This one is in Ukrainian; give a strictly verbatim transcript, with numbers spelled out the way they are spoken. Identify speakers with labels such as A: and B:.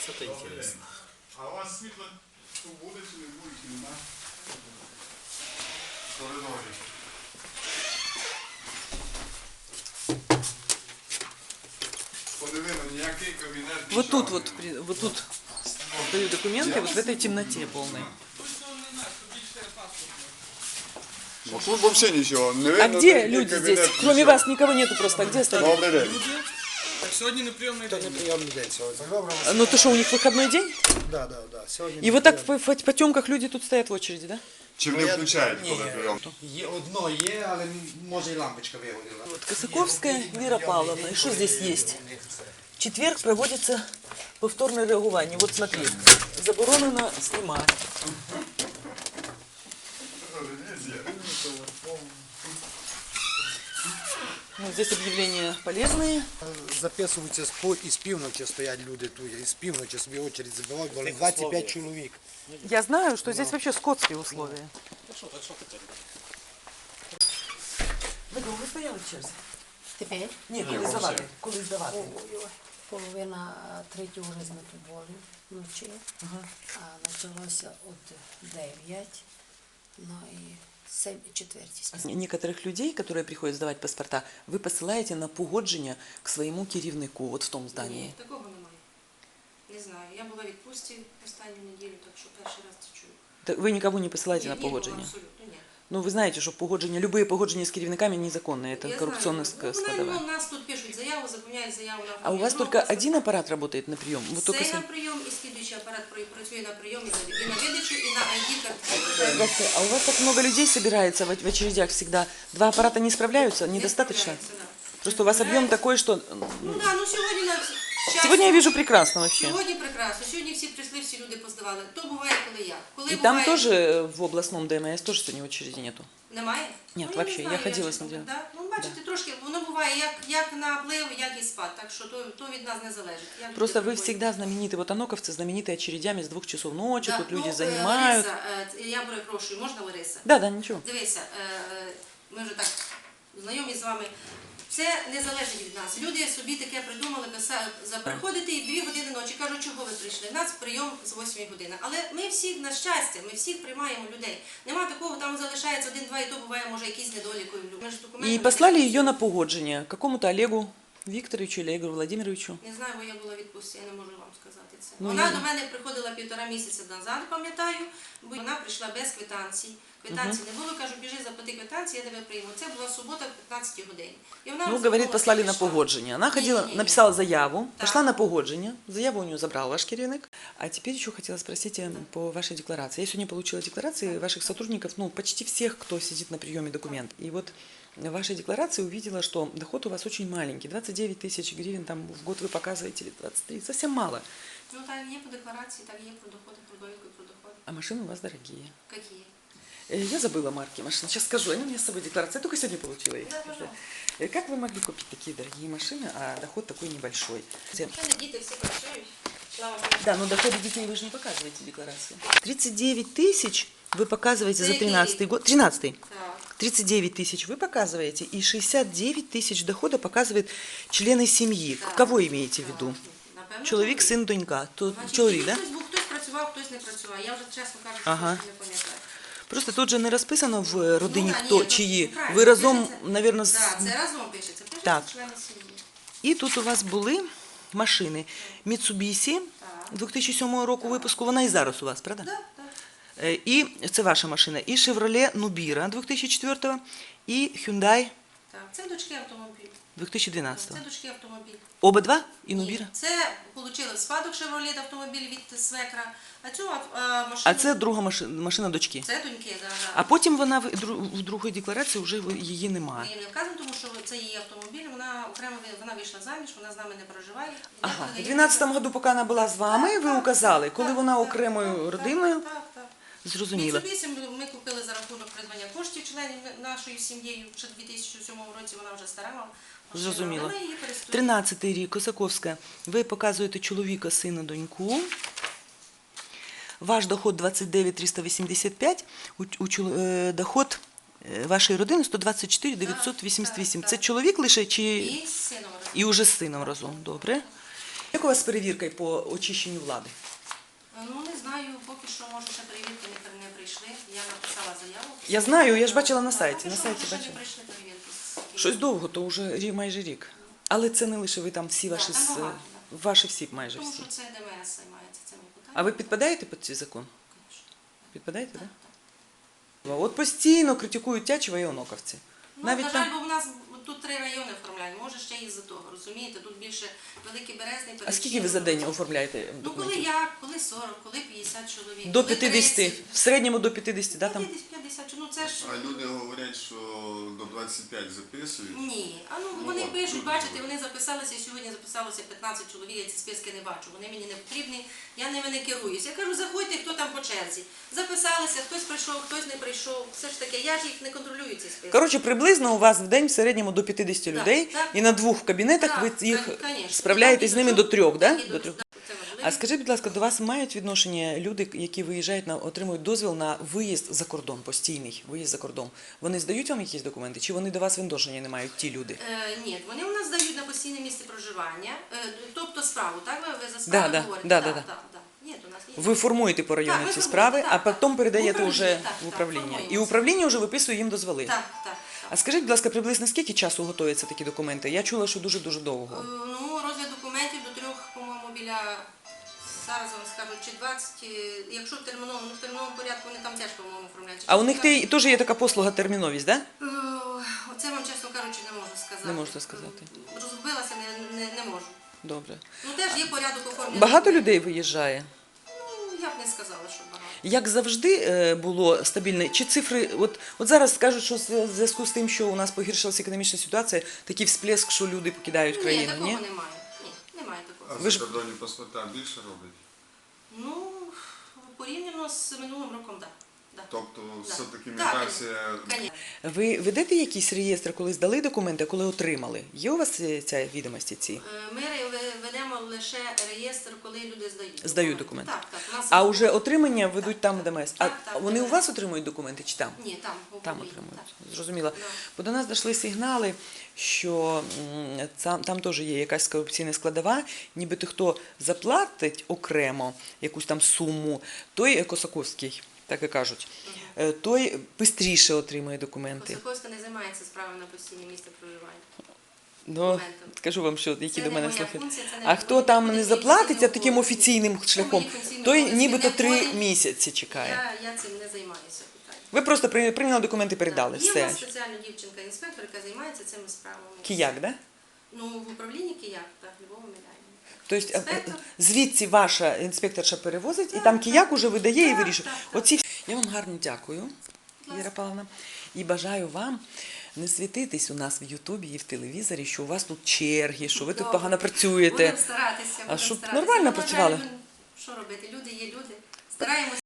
A: Что-то интересное.
B: А у вас світло буде чи не буде, чи нема? В коридорі. Подивимо, ніякий кабінет.
C: Вот тут вот, при- вот тут даю документы, вот в этой темноте полной.
B: Ну, тут взагалі нічого. Не
C: А
B: видно,
C: где
B: який
C: люди
B: кабінет,
C: здесь? Кроме
B: нічого.
C: вас никого нету просто. А где остальные?
B: Добрий день.
D: Так сьогодні не прийомний
A: Это
D: день.
A: не приемный день сегодня.
C: Ну то что, у них выходной день?
A: Да, да, да. Сегодня
C: И вот так в, в потемках люди тут стоят в очереди, да?
B: Чи не включають, коли
A: Ні,
B: прийом?
A: є одно є, але може і лампочка вигоріла.
C: Вот Косаковская Вера Павловна. И что здесь есть? В четверг проводится повторное реагування. Вот смотри, заборонено снимать. Ну, здесь объявления полезные.
A: Записуються з по і з півночі стоять люди тут, і з півночі собі очередь забивають, бо двадцять п'ять чоловік.
C: Я знаю, что здесь вообще скотские условия. Ви довго стояли в черзі?
E: Тепер
C: Ні, коли здавати. Коли здавати.
E: половина третього вже ми тут були вночі, а почалося от дев'ять, ну і сім четвертій.
C: Некоторых людей, которые приходят сдавать паспорта, вы посылаете на погодження к своему керівнику, вот в том здании.
F: Ні, такого немає. Не знаю. Я була в відпустці останню неділю, так що перший раз це чую.
C: Так вы никого не посылаете
F: Ні,
C: на
F: нікого,
C: погодження?
F: абсолютно ні.
C: Ну, вы знаете, что погодження, любые погодження с керівниками незаконные, это
F: Я
C: коррупционная
F: знаю. Ну,
C: складовая.
F: ну, у нас тут пишуть заяву, заповняють заяву на
C: А у вас
F: оформлення
C: только
F: другого
C: один аппарат работает на прием? Вот только
F: Це
C: с-
F: на прийом і слідуючий апарат про- працює на прийом і на, і на видачу, і на ай ді картку.
C: Здравствуйте. А у вас так много людей собирается в в очередях всегда. Два аппарата не справляются? Недостаточно? Просто у вас объем такой, что...
F: Ну так, ну сьогодні на щастя,
C: Сегодня я вижу прекрасно вообще.
F: Сьогодні прекрасно. Сьогодні всі прийшли, всі люди поздавали. То буває, коли я. Коли
C: И
F: буває...
C: там тоже в областном ДМС тоже сегодня очереди нету.
F: Немає?
C: Ні,
F: Ну,
C: вообще,
F: не
C: я
F: знаю,
C: ходила,
F: чесно,
C: смотрела.
F: Да? Ну, бачите, трошки, воно буває як, як наплив, як і спад, так що то, то від нас не залежить. Як
C: Просто
F: люди
C: вы
F: приходять.
C: всегда знамениты, вот аноковцы знаменитые очередями с двух часов ночи,
F: Да,
C: тут люди
F: ну, е,
C: занимают.
F: Лариса, е, я перепрошую, можна Лариса?
C: Да, да, ничего.
F: Дивися, е, ми вже так знайомі з вами. Це не залежить від нас. Люди собі таке придумали, писали, за приходити і в дві години ночі. Кажуть, чого ви прийшли? У нас прийом з восьмої години. Але ми всіх, на щастя, ми всіх приймаємо людей. Нема такого, там залишається один-два, і то буває, може, якісь недоліки. Ми ж документи
C: И
F: не
C: послали
F: даємо.
C: ее на погоджение какому-то Олегу Викторовичу или Игорю Владимировичу.
F: Не знаю, бо я була в відпустці, я не можу вам сказати це.
C: Ну,
F: вона
C: я-
F: до мене приходила півтора місяця назад, пам'ятаю, бо вона прийшла без квитанцій. Квитанції не було, кажу, біжи, заплати квитанції, я тебе прийму. Це була субота в п'ятнадцятій годині. І вона
C: Ну,
F: розраховувалася,
C: говорит, послали на
F: пішла.
C: погоджение. Она ходила,
F: Не-не-не.
C: написала заяву,
F: Так.
C: пошла на погоджение. Заяву у нее забрал ваш керівник. А теперь еще хотела спросить э, по вашей декларации. Я сегодня получила декларации ваших сотрудников, ну, почти всех, кто сидит на приеме документ. И вот в вашей декларации увидела, что доход у вас очень маленький. двадцать девять тысяч гривен там в год вы показываете, или двадцать три, совсем мало.
F: Ну, так є по декларації, так є про доходи, про довідку про доходи.
C: А машины у вас дорогие.
F: Які?
C: Э, Я забыла марки машин. Сейчас скажу, они у меня с собой декларация. Я только сегодня получила их.
F: Да, пожалуйста.
C: Э, Как вы могли купить такие дорогие машины, а доход такой небольшой?
F: Ще не діти всі працюють. Слава Богу.
C: Да, но доходы детей вы же не показываете в декларации. тридцать девять тысяч вы показываете за
F: За какие
C: тринадцатый
F: деньги?
C: год. тринадцатый.
F: Так.
C: тридцать девять тысяч вы показываете, и шестьдесят девять тысяч дохода показывает члены семьи.
F: Так.
C: Кого имеете в виду?
F: Напевно,
C: Человек, сын, донька. То
F: Значить,
C: чоловік, да?
F: хтось був, хтось працював, хтось не працював. Я вже, чесно кажучи,
C: Ага.
F: трошки не пам'ятаю.
C: Просто тут же не розписано в родині,
F: Ну, да,
C: хто,
F: ні, ну,
C: чиї.
F: правильно,
C: Ви разом,
F: пишеться.
C: наверное, з...
F: Так, це разом пишеться. Пишеться
C: Так.
F: члени сім'ї.
C: І тут у вас були машини Mitsubishi дві тисячі сьомого року випуску, вона і зараз у вас, правда?
F: Так, так.
C: Е, І це ваша машина, і Chevrolet Nubira дві тисячі четвертого, і Hyundai
F: Так, це дочки автомобіль.
C: дві тисячі дванадцятого.
F: Це дочки автомобіль.
C: Оба два? І
F: Ні,
C: Nubira?
F: Це отримали в спадок Chevrolet автомобіль від свекра, а цю а, машину...
C: А це друга машина, машина дочки.
F: Це доньки, да, да.
C: А потім вона в, дру- в другій декларації вже ви- її
F: Ми
C: немає.
F: їм не вказуємо, тому що це її автомобіль, вона окремо вона вийшла заміж, вона з нами не проживає.
C: Ага,
F: Я
C: в
F: передаю-
C: дванадцятому году, поки вона була з вами, ви указали, коли
F: Так,
C: вона
F: так,
C: окремою
F: так,
C: родиною,
F: Так, так, так.
C: зрозуміло.
F: Mitsubishi ми- ми купили за рахунок придбання коштів членів нашої сім'єю. Ще в дві тисячі сьомому році вона вже стара машина,
C: Зрозуміло.
F: але ми її користуємося.
C: тринадцятий рік, Косаковська. Ви показуєте чоловіка, сина, доньку. Ваш доход двадцять дев'ять тисяч триста вісімдесят п'ять, у, у, чол- е, доход е, вашої родини сто двадцять чотири тисячі дев'ятсот вісімдесят вісім.
F: Так,
C: Це
F: так.
C: чоловік лише чи
F: І з сином разом.
C: і уже з сином разом? Добре. Як у вас з перевіркою по очищенню влади?
F: Ну, не знаю, поки що, може, ще перевірки не, не прийшли. Я написала заяву.
C: Я знаю, я ж бачила на
F: Так,
C: сайті,
F: поки
C: на
F: що,
C: сайті
F: може, ще
C: бачила.
F: не прийшли перевірки. з-
C: Щось довго, то вже рі- майже рік. Але це не лише ви там всі
F: Да,
C: ваші,
F: там
C: з-
F: багато,
C: ваші всі, майже
F: Тому
C: всі.
F: що це ДМС займається цими питаннями.
C: А ви підпадаєте під цей закон?
F: Конечно.
C: Підпадаєте, так?
F: Так,
C: Да?
F: так.
C: От постійно критикують Тячева і Оноковці.
F: Ну,
C: Навіть
F: на
C: там...
F: жаль, бо в нас тут три райони оформляють, може ще із-за того, розумієте? Тут більше Великий Березний,
C: А скільки ви за день оформляєте
F: Ну, коли
C: документів?
F: як, коли сорок, коли п'ятдесят чоловік.
C: До
F: коли
C: п'ятдесят.
F: тридцять.
C: В середньому до п'ятдесят, да, там?
F: п'ятдесят, п'ятдесят, ну це ж...
B: А люди говорять, що до двадцять п'ять записують.
F: Ні, а ну
B: Ну,
F: вони
B: от,
F: пишуть,
B: дуже
F: бачите,
B: добре.
F: вони записалися, сьогодні записалося п'ятнадцять чоловік, я ці списки не бачу, вони мені не потрібні, я ними не керуюсь. Я кажу, заходьте, хто там по черзі. Записалися, хтось прийшов, хтось не прийшов, все ж таки, я ж їх не контролюю, ці списки.
C: Коротше, приблизно у вас в день в середньому до п'ятдесят
F: Так,
C: людей,
F: так.
C: і на двох кабінетах
F: Так,
C: ви їх
F: конечно.
C: справляєте з
F: Так, і
C: ними
F: до
C: до трьох,
F: так,
C: да?
F: і
C: До трьох.
F: да, це важливо.
C: А скажіть, будь ласка, до вас мають відношення люди, які виїжджають на отримують дозвіл на виїзд за кордон, постійний виїзд за кордон? Вони здають вам якісь документи, чи вони до вас відношення не мають ті люди?
F: Е, ні, вони у нас дають на постійне місце проживання, е, тобто справу, так? Ви, ви за справу
C: Да, да,
F: говорите?
C: да,
F: Так,
C: да, да.
F: так, так. Ні, то у нас є.
C: Ви формуєте по району
F: Так, ми
C: ці
F: формуємо,
C: справи,
F: так,
C: а
F: так.
C: потім передаєте
F: В
C: вже
F: управління, так,
C: в
F: так,
C: управління.
F: формуємо
C: І
F: це.
C: управління вже виписує їм дозволи.
F: Так, так,
C: А
F: так.
C: скажіть, будь ласка, приблизно скільки часу готуються такі документи? Я чула, що дуже-дуже
F: Е,
C: довго.
F: Ну, розгляд документів до трьох, по-моєму, біля, зараз вам скажу, чи двадцять, е, якщо в терміновому, ну в терміновому порядку вони там теж, по-моєму, оформляють.
C: А у них те- теж є така послуга терміновість, так? Да?
F: Е, Оце вам, чесно кажучи, не можу сказати.
C: Не можете сказати.
F: Е, Розгубилася, не, не, не можу.
C: Добре.
F: Ну, теж є порядок оформлення.
C: Багато
F: документів.
C: людей виїжджає?
F: Ну, я б не сказала, що багато.
C: Як завжди е, було стабільне? Чи цифри, от, от зараз скажуть, що в зв'язку з тим, що у нас погіршилася економічна ситуація, такий всплеск, що люди покидають
F: Ні,
C: країну,
F: такого
C: ні?
F: немає. Ні, немає такого.
B: А
C: Ви ж-
B: закордонні паспорта більше роблять?
F: Ну, порівняно з минулим роком, так. Да.
B: Тобто
F: Да.
B: все-таки
F: Так,
B: міграція...
F: Конечно.
C: Ви ведете якийсь реєстр, коли здали документи, а коли отримали? Є у вас е, ця відомості ці?
F: Е, Ми ре- ведемо лише реєстр, коли люди здають.
C: Здають документи.
F: Так, так. У нас
C: А
F: є-
C: вже отримання ведуть
F: Так,
C: там
F: так.
C: ДМС. А
F: Так, так,
C: вони у
F: ДМС.
C: вас отримують документи чи там?
F: Ні, там. в
C: Там
F: управлінні,
C: отримують.
F: так.
C: Зрозуміло.
F: Да.
C: Бо до нас дійшли сигнали, що м, там, там теж є якась корупційна складова, нібито хто заплатить окремо якусь там суму, той е, Косаковський, так і кажуть, е, той швидше отримує документи.
F: Косаковська не займається справами на постійне місце проживання.
C: Ну,
F: документом.
C: скажу вам, що які
F: Це
C: до
F: не
C: мене
F: моя
C: слухи.
F: функція, це не
C: А хто
F: мої
C: там не
F: функції,
C: заплатить,
F: це
C: а
F: не
C: таким
F: обов'язки.
C: офіційним
F: Це
C: шляхом,
F: мої функційні
C: той
F: обов'язки
C: нібито
F: не
C: три
F: входять.
C: місяці чекає.
F: Я, я цим не займаюся питанням.
C: Ви просто при- прийняли документи, передали,
F: Є в
C: все.
F: нас спеціальна дівчинка-інспектор, яка займається цими справами.
C: Кияк, да?
F: Ну, в управлінні Кияк, так, Львова Миляєва.
C: Тобто е,
F: Інспектор.
C: звідси ваша інспекторша перевозить, і там кияк уже видає і
F: Так,
C: вирішує.
F: так, так.
C: Оці... Я вам гарно дякую,
F: ласка.
C: Віра Павловна, і бажаю вам не світитись у нас в Ютубі і в телевізорі, що у вас тут черги, що ви тут
F: Добре.
C: погано працюєте.
F: Будемо старатися. будемо
C: щоб
F: старатися.
C: нормально
F: Ну, на жаль,
C: працювали.
F: ну, що робити? Люди є люди. Стараємося.